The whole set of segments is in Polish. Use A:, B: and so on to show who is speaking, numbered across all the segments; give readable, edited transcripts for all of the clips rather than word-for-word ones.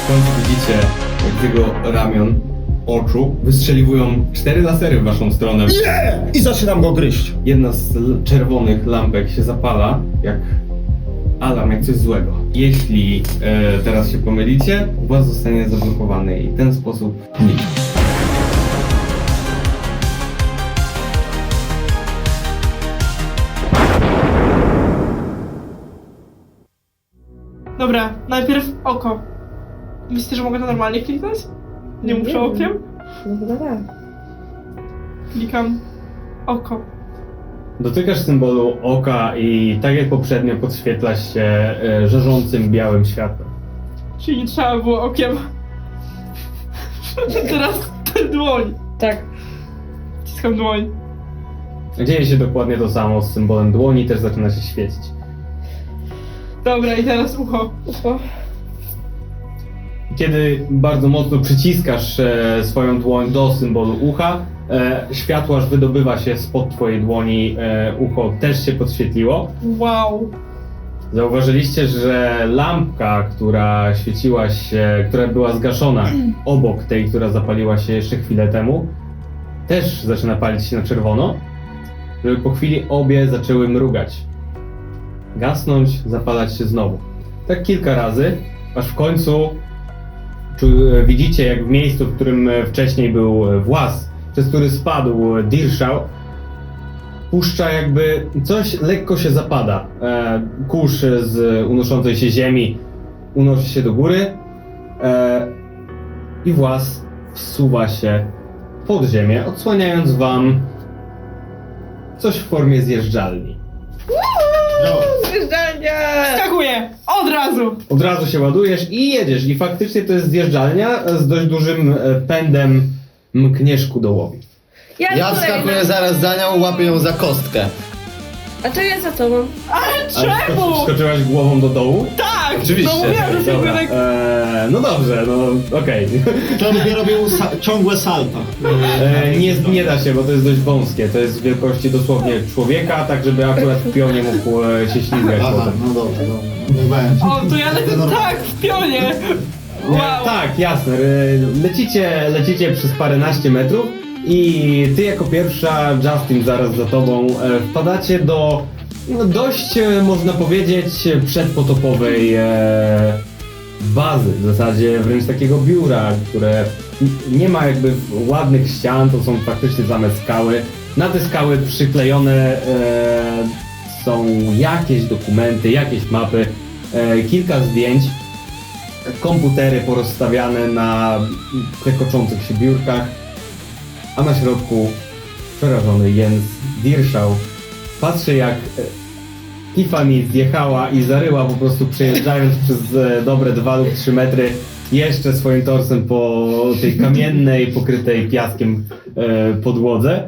A: W końcu widzicie, jak z jego ramion, oczu wystrzeliwują 4 lasery w waszą stronę.
B: Nie! I zaczynam go gryźć.
A: Jedna z czerwonych lampek się zapala, jak alarm, jak coś złego. Jeśli teraz się pomylicie, właz zostanie zablokowany i w ten sposób zniknie.
C: Dobra, najpierw oko. Myślicie, że mogę to normalnie kliknąć? Nie muszę okiem?
D: No chyba tak.
C: Klikam oko.
A: Dotykasz symbolu oka i tak jak poprzednio podświetlasz się żarzącym białym światłem.
C: Czyli nie trzeba było okiem. Teraz dłoń.
D: Tak.
C: Wciskam dłoń.
A: Dzieje się dokładnie to samo z symbolem dłoni, też zaczyna się świecić.
C: Dobra, i teraz ucho.
D: Ucho.
A: Kiedy bardzo mocno przyciskasz swoją dłoń do symbolu ucha, światło aż wydobywa się spod twojej dłoni, ucho też się podświetliło.
C: Wow.
A: Zauważyliście, że lampka, która świeciła się, która była zgaszona obok tej, która zapaliła się jeszcze chwilę temu, też zaczyna palić się na czerwono, żeby po chwili obie zaczęły mrugać. Gasnąć, zapalać się znowu. Tak kilka razy, aż w końcu widzicie, jak w miejscu, w którym wcześniej był właz, przez który spadł Dirszał, puszcza jakby coś lekko się zapada. Kurz z unoszącej się ziemi unosi się do góry i właz wsuwa się pod ziemię, odsłaniając wam coś w formie zjeżdżalni.
D: Zjeżdżalnia!
C: Skakuję! Od razu!
A: Od razu się ładujesz i jedziesz i faktycznie to jest zjeżdżalnia z dość dużym pędem mkniesz ku dołowi.
E: Ja wskakuję zaraz za nią, łapię ją za kostkę.
D: A to ja za tobą.
C: Ale
A: Ale
C: czemu?
A: skoczyłaś głową do dołu?
C: Tak!
E: Oczywiście.
C: No mówiłam, że się
A: Dobra,
C: tak...
A: no dobrze, no okej.
B: To będzie robił ciągłe salta.
A: Nie da się, bo to jest dość wąskie. To jest wielkości dosłownie człowieka, tak żeby akurat w pionie mógł się ślizgać
B: Aha,
A: potem.
B: no dobra, dobra. Nie będzie.
C: O, to ja lecę tak w pionie! Wow!
A: Tak, jasne. Lecicie przez paręnaście metrów i ty jako pierwsza, Justin zaraz za tobą, wpadacie do dość, można powiedzieć, przedpotopowej bazy, w zasadzie wręcz takiego biura, które nie ma jakby ładnych ścian, to są faktycznie same skały. Na te skały przyklejone są jakieś dokumenty, jakieś mapy, kilka zdjęć, komputery porozstawiane na klekoczących się biurkach, a na środku przerażony Jens Dirszał patrzy, jak Tiffany zjechała i zaryła po prostu, przejeżdżając przez dobre 2 lub 3 metry jeszcze swoim torsem po tej kamiennej, pokrytej piaskiem podłodze.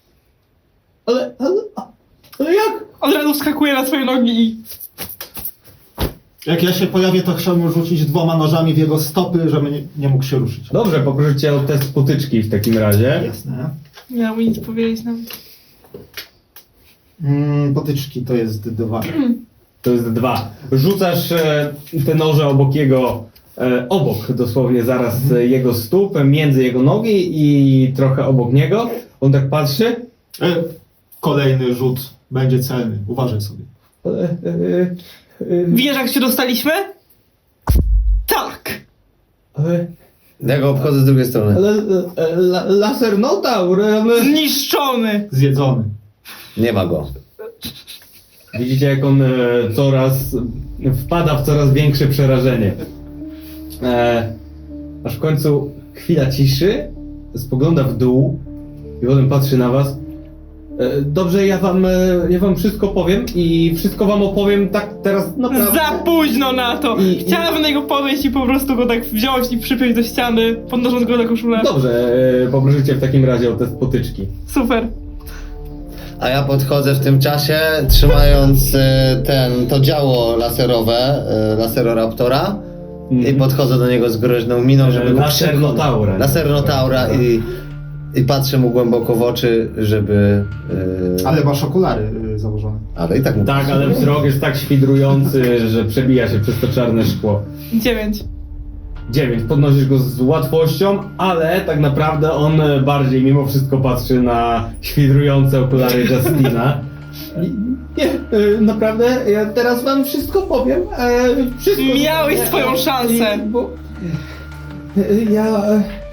A: Ale jak?
C: Od razu wskakuję na swoje nogi i...
B: Jak ja się pojawię, to chciałbym rzucić 2 nożami w jego stopy, żeby nie mógł się ruszyć.
A: Dobrze, poproszę cię o test potyczki w takim razie.
B: Jasne.
C: Nie miał mi nic powiedzieć nam.
B: Potyczki to jest 2.
A: To jest 2. Rzucasz te noże obok jego, obok dosłownie zaraz jego stóp, między jego nogi i trochę obok niego. On tak patrzy.
B: Kolejny rzut będzie celny. Uważaj sobie.
C: Wiesz, jak się dostaliśmy? Tak!
E: Ja go obchodzę z drugiej strony.
A: Laser notaur.
C: Zniszczony!
B: Zjedzony.
E: Nie ma go.
A: Widzicie, jak on coraz wpada w coraz większe przerażenie. Aż w końcu chwila ciszy, spogląda w dół i potem patrzy na was. Dobrze, ja wam wszystko powiem i wszystko wam opowiem tak teraz naprawdę.
C: Za późno na to! Chciałabym na niego podejść i po prostu go tak wziąć i przypiąć do ściany, podnosząc go na koszulę.
A: Dobrze, poproszę cię w takim razie o test potyczki.
C: Super.
E: A ja podchodzę w tym czasie, trzymając to działo laserowe, Laseroraptora i podchodzę do niego z groźną miną, żeby go
A: Lasernotaura.
E: Lasernotaura i patrzę mu głęboko w oczy, żeby...
B: Ale masz okulary założone.
E: Ale i tak mu...
A: Tak, ale wzrok jest tak świdrujący, że przebija się przez to czarne szkło.
C: 9.
A: 9. Podnosisz go z łatwością, ale tak naprawdę on bardziej mimo wszystko patrzy na świdrujące okulary Justina. Nie, naprawdę, ja teraz wam wszystko powiem. Wszystko.
C: Miałeś swoją szansę.
A: Bo ja...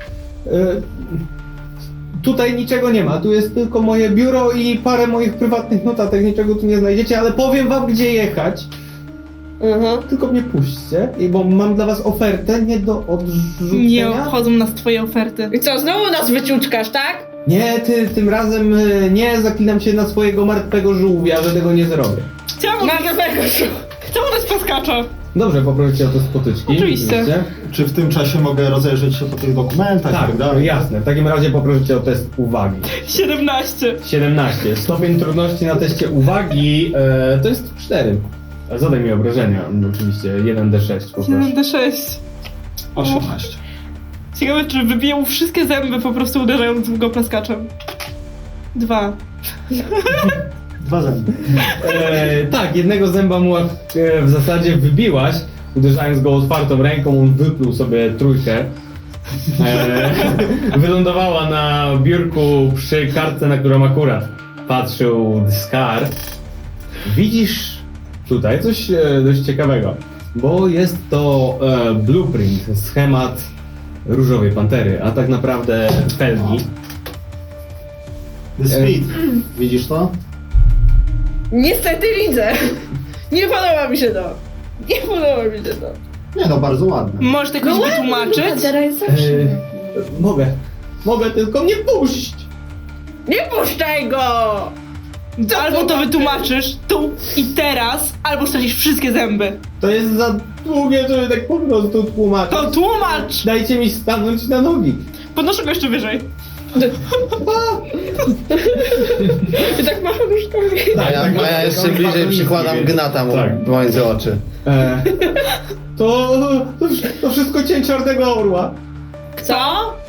A: Tutaj niczego nie ma, tu jest tylko moje biuro i parę moich prywatnych notatek, niczego tu nie znajdziecie, ale powiem wam gdzie jechać. Tylko mnie puśćcie, bo mam dla was ofertę nie do odrzucenia.
C: Nie obchodzą nas twoje oferty.
D: I co, znowu nas wyciuczkasz, tak?
A: Nie, tym razem nie, zaklinam się na swojego martwego żółwia, że tego nie zrobię.
C: Chciałam dać plaskacza.
A: Dobrze, poproszę o te spotyczki.
C: Oczywiście.
B: Czy w tym czasie mogę rozejrzeć się po tych dokumentach i
A: Tak,
B: tak dalej?
A: jasne. W takim razie poproszę o test uwagi.
C: 17.
A: 17. Stopień trudności na teście uwagi to jest 4. Zadaj mi obrażenia, oczywiście. 1d6 poproszę.
C: 7d6.
B: 18.
C: Ciekawe, czy wybiję mu wszystkie zęby po prostu uderzając w go plaskaczem. 2.
B: 2 zęby.
A: Tak, jednego zęba mu w zasadzie wybiłaś, uderzając go otwartą ręką, on wypluł sobie trójkę. Wylądowała na biurku przy kartce, na którą akurat patrzył Scar. Widzisz tutaj coś dość ciekawego, bo jest to blueprint, schemat Różowej Pantery, a tak naprawdę felgi.
B: The Speed. Widzisz to?
D: Niestety widzę. Nie podoba mi się to. Nie podoba mi się to.
B: Nie no, bardzo ładne.
C: Możesz to jakoś wytłumaczyć?
D: Pantera jest zawsze.
A: Mogę, tylko mnie puść!
D: Nie puszczaj go!
C: Albo to wytłumaczysz tu i teraz, albo stracisz wszystkie zęby.
A: To jest za długie, żeby tak po prostu tłumaczyć.
C: To tłumacz!
A: Dajcie mi stanąć na nogi.
C: Podnoszę go jeszcze wyżej.
D: I tak macham różkami.
E: A ja jeszcze bliżej przykładam gnata mu
A: Tak.
E: między oczy.
A: To wszystko cień Czarnego Orła.
D: Co?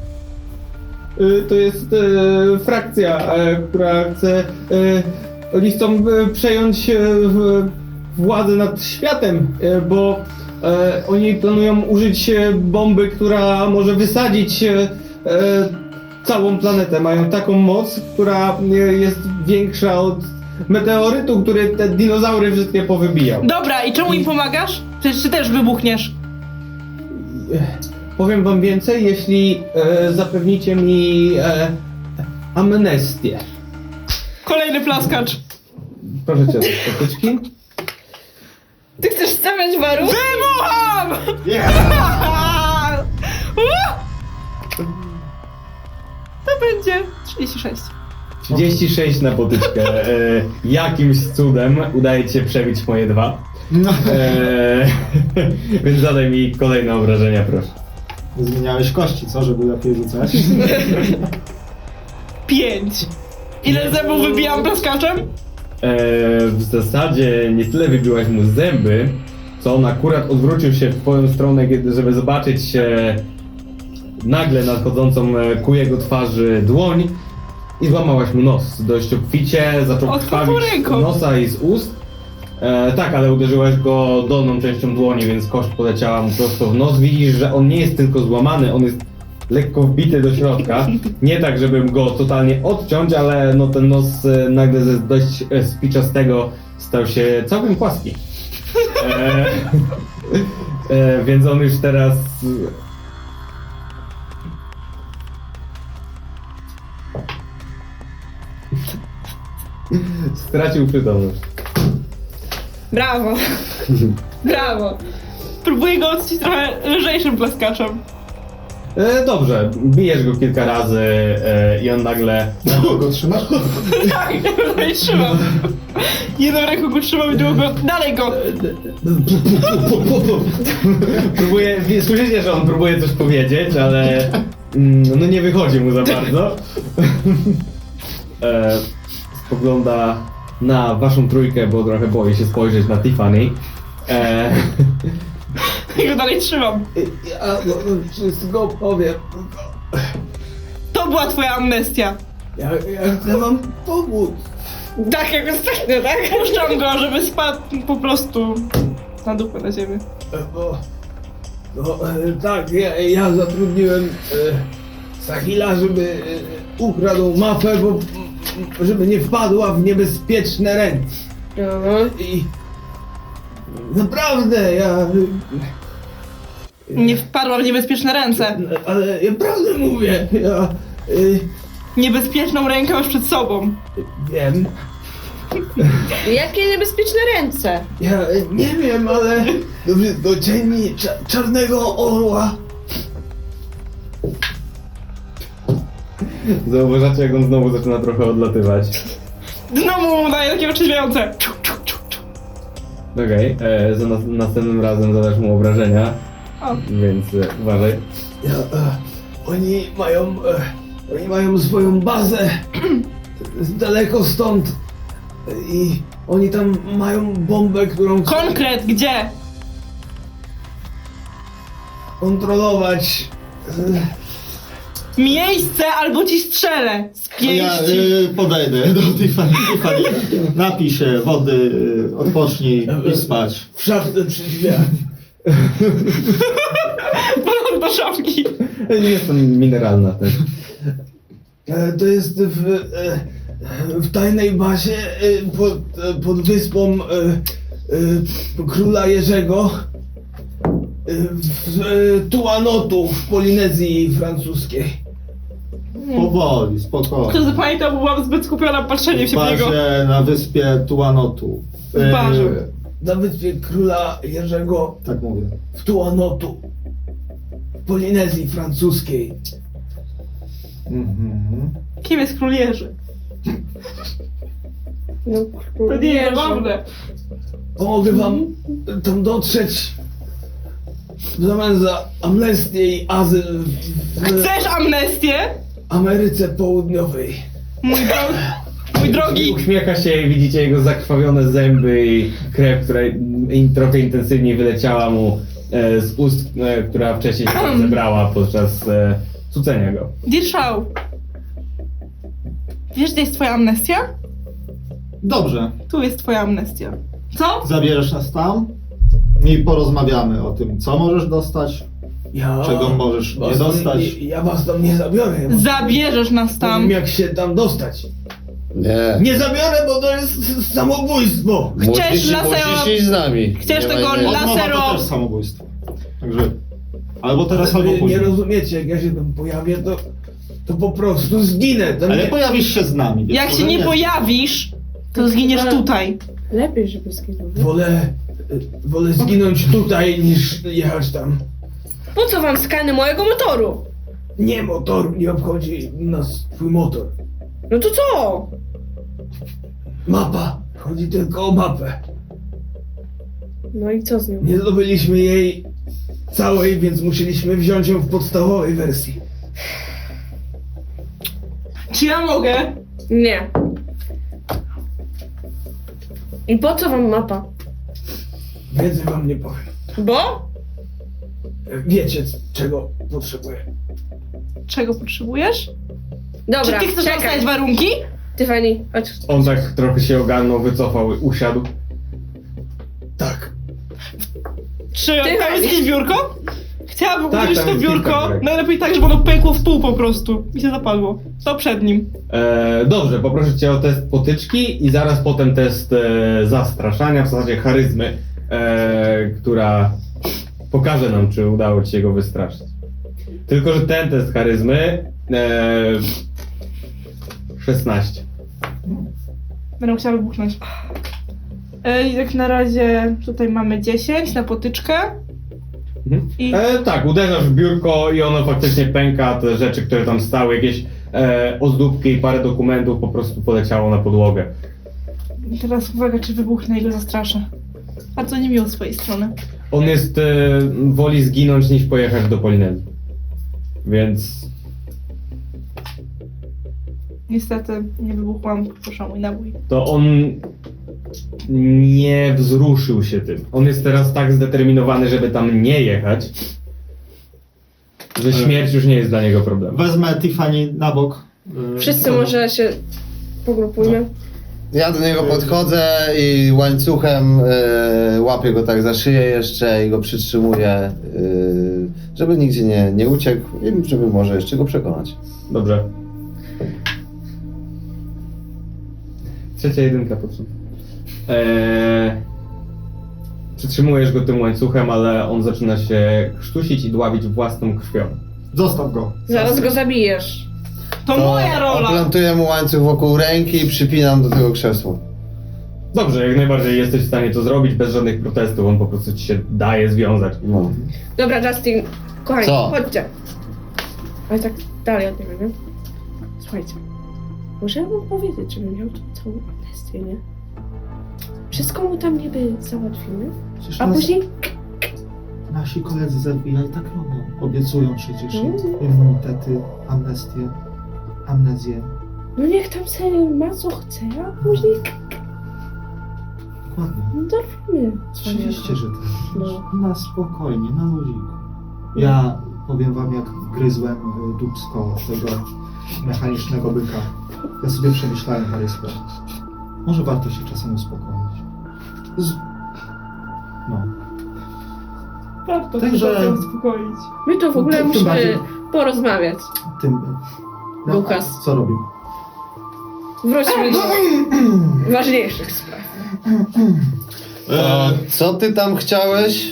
A: To jest frakcja, która chce... Oni chcą przejąć władzę nad światem, bo oni planują użyć bomby, która może wysadzić całą planetę. Mają taką moc, która jest większa od meteorytu, który te dinozaury wszystkie powybijał.
C: Dobra, i czemu im pomagasz? Przecież ty też wybuchniesz.
A: Powiem wam więcej, jeśli zapewnicie mi amnestię.
C: Kolejny plaskacz.
A: Proszę cię o spotyczki.
D: Ty chcesz stawiać warunki?
C: Wybucham! To będzie 36.
A: 36 na potyczkę. Jakimś cudem udaje ci się przebić moje 2.
B: No.
A: Więc zadaj mi kolejne obrażenia, proszę.
B: Zmieniałeś kości, co? Żeby lepiej rzucać?
C: 5. Ile zębów wybijam plaskaczem?
A: W zasadzie nie tyle wybiłaś mu zęby, co on akurat odwrócił się w twoją stronę, żeby zobaczyć nagle nadchodzącą ku jego twarzy dłoń i złamałaś mu nos. Dość obficie, zaczął
C: Od
A: krwawić z
C: kukuryku.
A: nosa i z ust. Tak, ale uderzyłaś go dolną częścią dłoni, więc kość poleciała mu prosto w nos. Widzisz, że on nie jest tylko złamany, on jest lekko wbity do środka. Nie tak, żebym go totalnie odciąć, ale no ten nos nagle ze dość spiczastego stał się całkiem płaski. Więc on już teraz... stracił przytomność.
D: Brawo. Brawo.
C: Próbuję go odcić trochę lżejszym plaskaczem.
A: Dobrze, bijesz go kilka razy i on nagle...
B: Go trzymasz?
C: Tak, dalej trzymam. Jedną ręką go trzymam i drugą dalej go.
A: Próbuje, słyszycie, że on próbuje coś powiedzieć, ale no nie wychodzi mu za bardzo. Spogląda na waszą trójkę, bo trochę boi się spojrzeć na Tiffany.
C: I go dalej trzymam.
A: Ja wszystko powiem.
C: To była twoja amnestia.
A: Ja chcę wam pomóc.
D: Tak jak ostatnio, tak?
C: Puszczam go, żeby spadł po prostu na dupę na ziemię.
A: No, tak, ja zatrudniłem Sahila, żeby ukradł mapę, bo żeby nie wpadła w niebezpieczne ręce. I naprawdę,
C: Nie wpadła w niebezpieczne ręce.
A: ale ja prawdę mówię, ja
C: Niebezpieczną rękę masz przed sobą.
A: wiem,
D: Jakie niebezpieczne ręce?
A: ja nie wiem, ale to wszystko cieni czarnego orła. Zauważacie, jak on znowu zaczyna trochę odlatywać.
C: Znowu mu daje takie otrzeźwiające.
A: Okej, za następnym razem zadasz mu obrażenia,
C: O.
A: więc uważaj. Oni mają swoją bazę daleko stąd i oni tam mają bombę, którą chcą
C: Konkret, gdzie?
A: kontrolować.
C: Miejsce albo ci strzelę z
B: Ja
C: pięści.
B: podejdę do Tiffany. Napij się wody, odpocznij i spać.
A: W szafce przy drzwiach.
C: Podam do szafki.
A: Nie jestem mineralna też. To jest w tajnej bazie pod wyspą króla Jerzego w Tuanotu w Polinezji francuskiej.
B: Powoli, spokojnie.
C: Kto zapamiętał, bo byłam zbyt skupiona patrzeniem
B: W
C: się w niego.
B: bazie na wyspie Tuanotu.
C: W barze.
A: Na wyspie króla Jerzego
B: Tak mówię.
A: w Tuanotu w Polinezji francuskiej.
B: Mhm.
C: Kim jest król Jerzy?
D: No,
C: To nie jest zabawne.
A: Pomogę wam tam dotrzeć w zamian za amnestię i azyl w
C: Chcesz amnestię?
A: Ameryce Południowej.
C: Mój drogi.
A: Uśmiecha się i widzicie jego zakrwawione zęby i krew, która trochę intensywniej wyleciała mu z ust, która wcześniej się zebrała podczas cucenia go.
C: Dirszał. Wiesz, gdzie jest twoja amnestia?
B: Dobrze.
C: Tu jest twoja amnestia. Co?
B: Zabierzesz nas tam i porozmawiamy o tym, co możesz dostać, czego możesz nie dostać.
A: Ja was tam nie zabiorę.
C: Zabierzesz nas
A: Tam
C: tam.
A: jak się tam dostać.
E: Nie.
A: Nie zabiorę, bo to jest samobójstwo.
C: Chcesz lasero-
E: Musisz iść z nami.
C: Chcesz
E: Nie ma
C: tego
E: innej-
C: la-
B: Odmowa
C: lasero-
B: to też samobójstwo. Także albo teraz, albo
A: Wy nie
B: później.
A: rozumiecie, jak ja się tam pojawię, to po prostu zginę. To
B: Ale
A: nie...
B: pojawisz się z nami. więc
C: Jak się
B: może
C: nie pojawisz, to zginiesz tutaj.
D: Lepiej, żeby zginął.
A: Wolę zginąć tutaj, niż jechać tam.
D: Po co wam skany mojego motoru?
A: Nie motor, nie obchodzi nas twój motor.
D: No to co?
A: Mapa. Chodzi tylko o mapę.
D: No i co z nią?
A: Nie zdobyliśmy jej całej, więc musieliśmy wziąć ją w podstawowej wersji.
C: Czy ja mogę?
D: Nie. I po co wam mapa?
A: Więcej wam nie powiem.
D: Bo?
A: Wiecie, czego potrzebuję.
C: Czego potrzebujesz?
D: Dobra,
C: Czy ty chcesz
D: czekaj.
C: dostać warunki?
D: Tiffany, chodź.
A: On tak trochę się ogarnął, wycofał, usiadł. Tak.
C: Czy
D: Ty
C: tam jest jakieś biurko? Chciałabym
A: Tak,
C: użyć
A: tam
C: to
A: jest kilka
C: biurko,
A: biurek.
C: najlepiej tak, żeby ono pękło w pół po prostu. Mi się zapadło. To przed nim.
A: Dobrze, poproszę cię o test potyczki i zaraz potem test zastraszania, w zasadzie charyzmy, która pokaże nam, czy udało ci się go wystraszyć. Tylko, że ten test charyzmy 16.
C: Będę chciała wybuchnąć. Jak na razie tutaj mamy 10 na potyczkę. I
A: Tak, uderzasz w biurko i ono faktycznie pęka, te rzeczy, które tam stały, jakieś ozdóbki i parę dokumentów po prostu poleciało na podłogę.
C: teraz uwaga, czy wybuchnę i go zastraszę. Bardzo niemiło z twojej strony.
A: On jest, woli zginąć niż pojechać do Polinezji. Więc
C: Niestety nie wybuchłam, proszę mój nabój.
A: to on nie wzruszył się tym. On jest teraz tak zdeterminowany, żeby tam nie jechać, że śmierć już nie jest dla niego problemem.
B: Wezmę Tiffany na bok.
D: Wszyscy może się pogrupujmy.
E: Ja do niego podchodzę i łańcuchem łapię go tak za szyję jeszcze i go przytrzymuję, żeby nigdzie nie uciekł i żeby może jeszcze go przekonać.
A: Dobrze. Trzecia jedynka, proszę. Przytrzymujesz go tym łańcuchem, ale on zaczyna się krztusić i dławić własną krwią.
B: Zostaw go.
D: Zaraz go zabijesz.
C: To moja rola!
E: Oplantuję mu łańcuch wokół ręki i przypinam do tego krzesła.
A: Dobrze, jak najbardziej jesteś w stanie to zrobić bez żadnych protestów, on po prostu ci się daje związać.
E: No.
D: Dobra, Justin, kochani,
E: Co?
D: chodźcie. Ale tak dalej od niego, nie? Słuchajcie, może ja wam powiedzieć, żeby miał tu całą amnestię, nie? Wszystko mu tam niby załatwimy,
B: Przecież
D: a później...
B: nasi koledzy z FBI tak robią. Obiecują przecież
D: Mm.
B: immunitety, amnezję.
D: No niech tam sobie ma co chce, a później...
B: Dokładnie.
D: No dorwimy.
B: Oczywiście, że tak.
D: No.
B: Na spokojnie, na ludziku. Ja powiem wam, jak gryzłem dupsko tego mechanicznego byka. Ja sobie przemyślałem parę spraw. Może warto się czasem uspokoić. No.
C: Warto
B: Także-
C: się czasem uspokoić.
D: My to w ogóle
B: Tym
D: musimy
B: bardziej-
D: porozmawiać.
B: Tym...
D: Lukas.
B: Co robił?
D: Wróćmy do ważniejszych spraw.
E: To co ty tam chciałeś?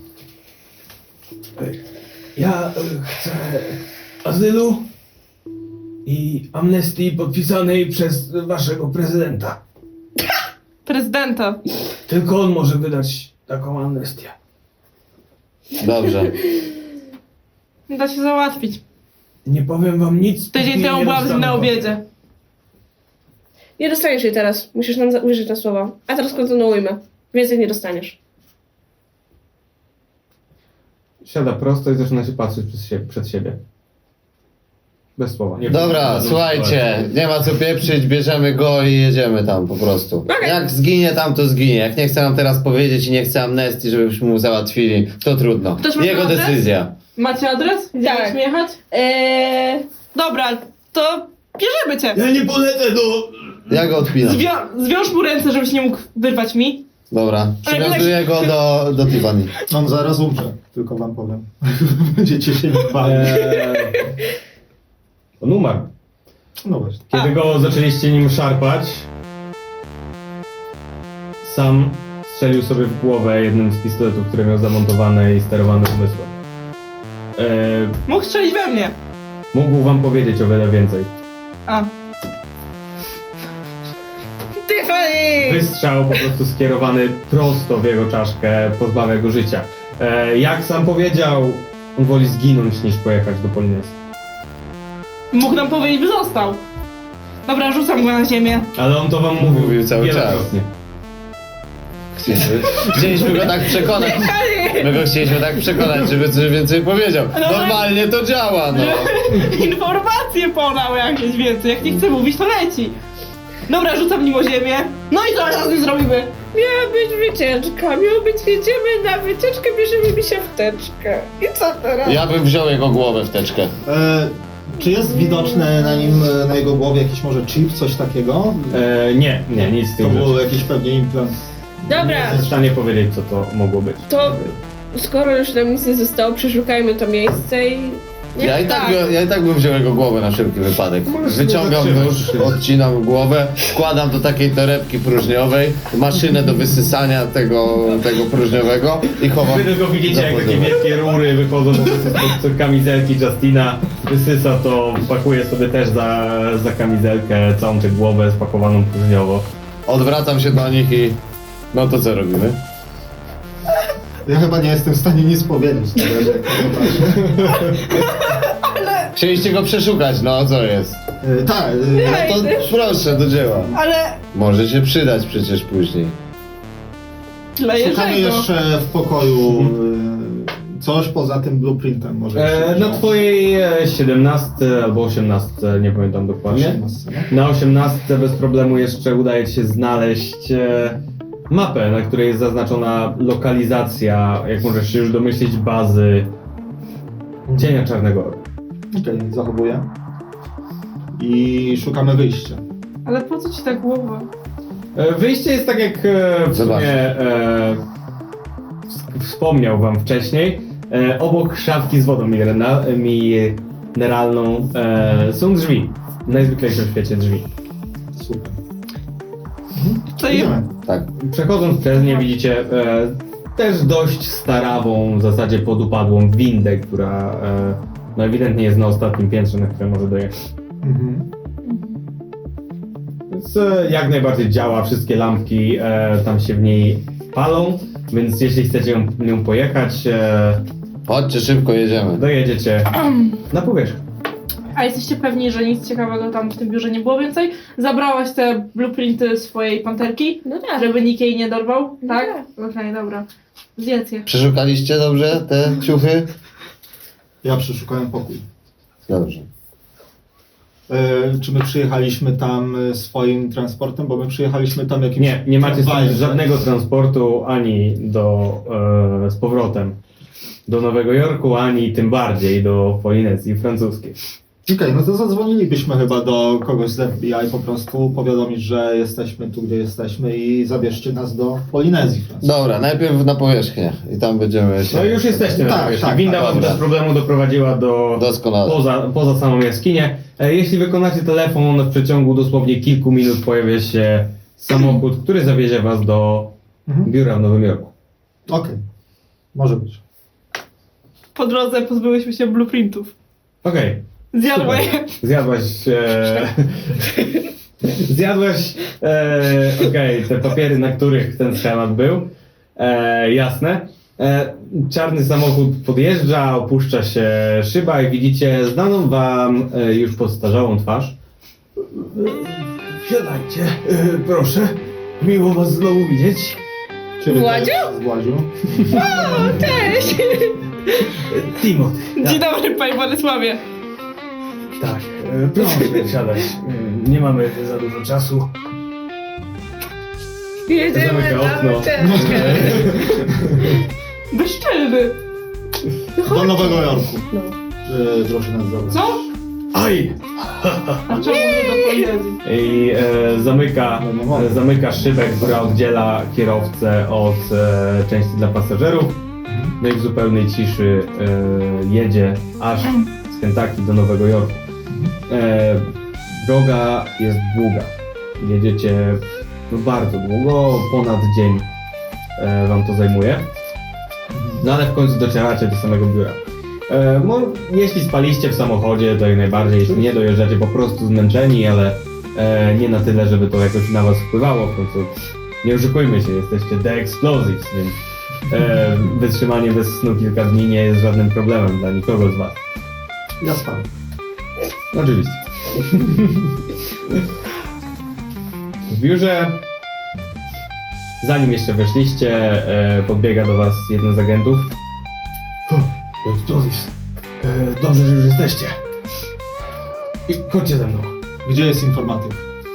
A: Ja chcę azylu i amnestii podpisanej przez waszego prezydenta.
C: Prezydenta.
A: Tylko on może wydać taką amnestię.
E: Dobrze.
C: Da się załatwić.
A: Nie powiem wam nic.
C: Tydzień
A: póki
C: temu
A: nie
C: byłam z nim
A: dostanę
C: na
A: papieru.
C: obiedzie.
D: Nie dostaniesz jej teraz. Musisz nam uwierzyć na słowa. A teraz kontynuujmy. Więcej nie dostaniesz.
A: Siada prosto i zaczyna się patrzeć przed siebie. Bez słowa. Nie
E: Dobra, słuchajcie, nie ma co pieprzyć, bierzemy go i jedziemy tam po prostu.
D: Okej.
E: Jak zginie tam, to zginie. Jak nie chce nam teraz powiedzieć i nie chce amnestii, żebyśmy mu załatwili, to trudno.
C: Ktoś ma
E: Jego
C: adres?
E: decyzja.
C: Macie adres? Gdzie
D: Tak.
C: musimy jechać? Dobra, to bierzemy cię.
A: Ja nie polecę do...
E: Ja go odpinam.
C: Zwiąż mu ręce, żebyś nie mógł wyrwać mi.
E: Dobra, przywiązuję go do Tiffany.
B: On zaraz umrze, tylko wam powiem. Będziecie się nie bali.
A: On umarł.
B: No właśnie.
A: Kiedy go zaczęliście nim szarpać, sam strzelił sobie w głowę jednym z pistoletów, które miał zamontowane i sterowane umysłem.
C: Mógł strzelić we mnie.
A: Mógł wam powiedzieć o wiele więcej.
C: A.
D: Tiffany!
A: Wystrzał po prostu skierowany prosto w jego czaszkę pozbawia go życia. Jak sam powiedział, on woli zginąć niż pojechać do Polinezji.
C: Mógł nam powiedzieć, by został. Dobra, rzucam go na ziemię.
A: Ale on to wam
E: Mówił
A: mówił
E: cały
A: wielokrotnie.
E: Chcieliśmy go tak przekonać. My go chcieliśmy tak przekonać, żeby coś więcej powiedział. Normalnie to działa, no.
C: Informacje podał jakieś więcej. Jak nie chce mówić, to leci. Dobra, rzucam nim o ziemię. No i co teraz z nim zrobimy?
D: Miała być wycieczka. Miało być, jedziemy na wycieczkę, bierzemy mi się wteczkę. I co teraz?
E: Ja bym wziął jego głowę w teczkę.
B: Czy jest widoczne na nim, na jego głowie jakiś może chip, coś takiego?
A: Nie, nic z
B: To
A: tym
B: był
A: rzeczy.
B: jakiś pewnie implant.
D: Dobra,
A: Nie jestem w stanie powiedzieć, co to mogło być.
D: to skoro już nam nic nie zostało, przeszukajmy to miejsce i...
E: Ja i tak bym wziął jego głowę na wszelki wypadek. Wyciągam nóż, odcinam głowę, wkładam do takiej torebki próżniowej, maszynę do wysysania tego próżniowego i chowam.
A: Wy tylko widzicie, jak takie
E: za pazurę.
A: wielkie rury wychodzą po prostu spod kamizelki Justina. Wysysa to, pakuje sobie też za kamizelkę całą tę głowę spakowaną próżniowo.
E: Odwracam się do nich i... No to co robimy?
B: Ja chyba nie jestem w stanie nic powiedzieć. na razie, jak to patrzę.
E: Chcieliście go przeszukać, no co jest?
B: Tak,
E: No to proszę, do dzieła.
C: Ale
E: Może się przydać przecież później.
C: dla
B: szukamy
C: Jerzego.
B: jeszcze w pokoju coś poza tym blueprintem. Może jeszcze
A: Na
B: wziąć.
A: twojej 17 albo 18, nie pamiętam dokładnie.
B: 18, no?
A: Na 18 bez problemu jeszcze udaje ci się znaleźć mapę, na której jest zaznaczona lokalizacja, jak możesz się już domyślić, bazy Cienia Czarnego Orła.
B: Okej, zachowuję. I szukamy wyjścia.
C: Ale po co ci ta głowa?
A: Wyjście jest tak jak w
E: Zobaczcie.
A: sumie wspomniał wam wcześniej. Obok szafki z wodą mineralną są drzwi. Najzwyklejsze w świecie drzwi.
B: Super.
C: Co i...
B: Idziemy.
E: Tak.
A: Przechodząc przez nie widzicie też dość starawą, w zasadzie podupadłą windę, która no ewidentnie jest na ostatnim piętrze, na które może dojechać.
B: Mhm.
A: Więc jak najbardziej działa, wszystkie lampki tam się w niej palą, więc jeśli chcecie nią pojechać,
E: Chodźcie, szybko jedziemy.
A: dojedziecie na powierzchnię.
C: A jesteście pewni, że nic ciekawego tam w tym biurze nie było więcej? Zabrałaś te blueprinty swojej panterki,
D: No tak.
C: żeby nikt jej nie dorwał?
D: No
C: Tak?
D: tak.
C: Okej, dobra. Zjedz je.
E: Przeszukaliście dobrze te ciuchy?
B: Ja przeszukałem pokój.
E: Dobrze.
B: Czy my przyjechaliśmy tam swoim transportem? Bo my przyjechaliśmy tam jakimś
A: Nie macie
B: tramwajem,
A: stąd
B: tak?
A: żadnego transportu ani z powrotem do Nowego Jorku, ani tym bardziej do Polinezji francuskiej.
B: Okej, no to zadzwonilibyśmy chyba do kogoś z FBI po prostu, powiadomić, że jesteśmy tu, gdzie jesteśmy i zabierzcie nas do Polinezji.
E: Dobra, najpierw na powierzchnię i tam będziemy się...
A: No już jesteście na
B: Tak,
A: powierzchni.
B: tak,
A: Winda
B: tak,
A: was
E: dobra.
A: bez problemu doprowadziła
E: Doskonale.
A: poza samą jaskinię. Jeśli wykonacie telefon, w przeciągu dosłownie kilku minut pojawia się samochód, który zawiezie was do
B: Mhm.
A: biura w Nowym Jorku.
B: Okej, może być.
C: Po drodze pozbyłyśmy się blueprintów.
A: Okej.
C: Zjadła je.
A: Zjadłaś. Zjadłaś. Okej, te papiery, na których ten schemat był. Jasne. Czarny samochód podjeżdża, opuszcza się szyba i widzicie znaną wam już podstarzałą twarz. Siadajcie, proszę. Miło was znowu widzieć.
B: Ciebie
D: Władziu?
B: też, Władziu.
D: Cześć!
A: Timothy.
C: Dzień dobry, panie Władysławie.
A: Tak, proszę siadać. Nie mamy za dużo czasu.
D: Jedziemy
A: Zamyka
D: na
A: okno.
D: uczelnię.
C: Bezczelny.
B: Do Nowego Jorku.
D: No.
B: Proszę nas zabrać.
C: Co?
A: Aj!
C: A czemu nie do Polinezji?
A: I zamyka szybę, która oddziela kierowcę od części dla pasażerów. No i w zupełnej ciszy jedzie aż z Kentucky do Nowego Jorku. Droga jest długa. Jedziecie no bardzo długo, ponad dzień wam to zajmuje. No ale w końcu docieracie do samego biura. Jeśli spaliście w samochodzie, to jak najbardziej, jeśli nie dojeżdżacie po prostu zmęczeni, ale nie na tyle, żeby to jakoś na was wpływało, w końcu nie oszukujmy się, jesteście The Explosives, więc wytrzymanie bez snu kilka dni nie jest żadnym problemem dla nikogo z was.
B: Ja spałem.
A: Oczywiście. W biurze, zanim jeszcze weszliście, podbiega do was jeden z agentów. Dobrze, że już jesteście. I chodźcie ze mną.
B: Gdzie jest informatyk?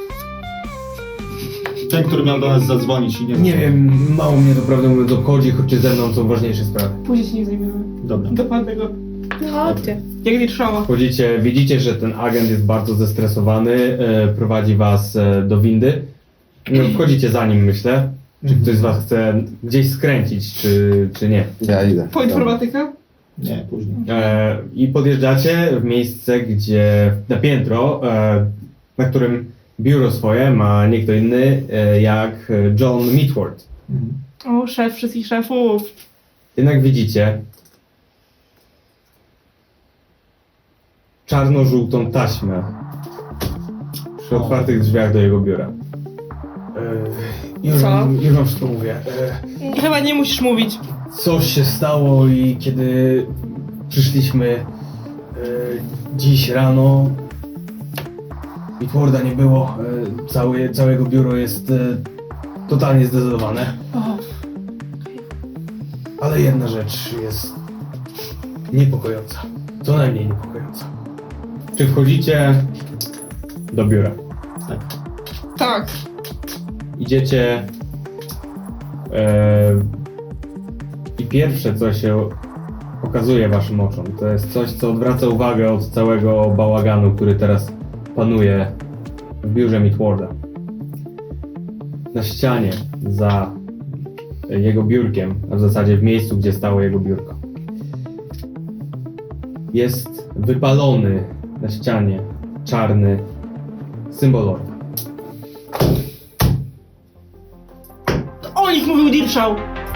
B: Ten, który miał do nas zadzwonić i nie
A: Nie wiem, mało mnie to prawdę mówiąc obchodzi, chodźcie ze mną, są ważniejsze sprawy.
C: Później się nie zajmiemy.
B: Dobra.
C: Dokładnie go.
D: No chodźcie.
C: Jak nie trzeba.
A: Wchodzicie, widzicie, że ten agent jest bardzo zestresowany, prowadzi was do windy. No, wchodzicie za nim, myślę. Czy ktoś z was chce gdzieś skręcić, czy nie.
E: Ja idę.
C: Po informatykę?
B: Nie, później.
A: I podjeżdżacie w miejsce, gdzie na piętro, na którym biuro swoje ma nie kto inny jak John Mitford.
B: Mhm.
C: O, szef wszystkich szefów.
A: Jednak widzicie czarno-żółtą taśmę przy otwartych drzwiach do jego biura. Już
D: Co?
A: już wam wszystko mówię.
C: Chyba nie musisz mówić.
A: Coś się stało i kiedy przyszliśmy dziś rano, Mitforda nie było. Całe jego biuro jest totalnie zdecydowane.
C: O,
A: Ale jedna rzecz jest niepokojąca. Co najmniej niepokojąca. Czy wchodzicie do biura?
C: tak.
A: Idziecie i pierwsze, co się pokazuje waszym oczom, to jest coś, co odwraca uwagę od całego bałaganu, który teraz panuje w biurze Mitforda. na ścianie za jego biurkiem, a w zasadzie w miejscu, gdzie stało jego biurko. Jest wypalony na ścianie czarny symbol orła.
C: O nich mówił Dirszał!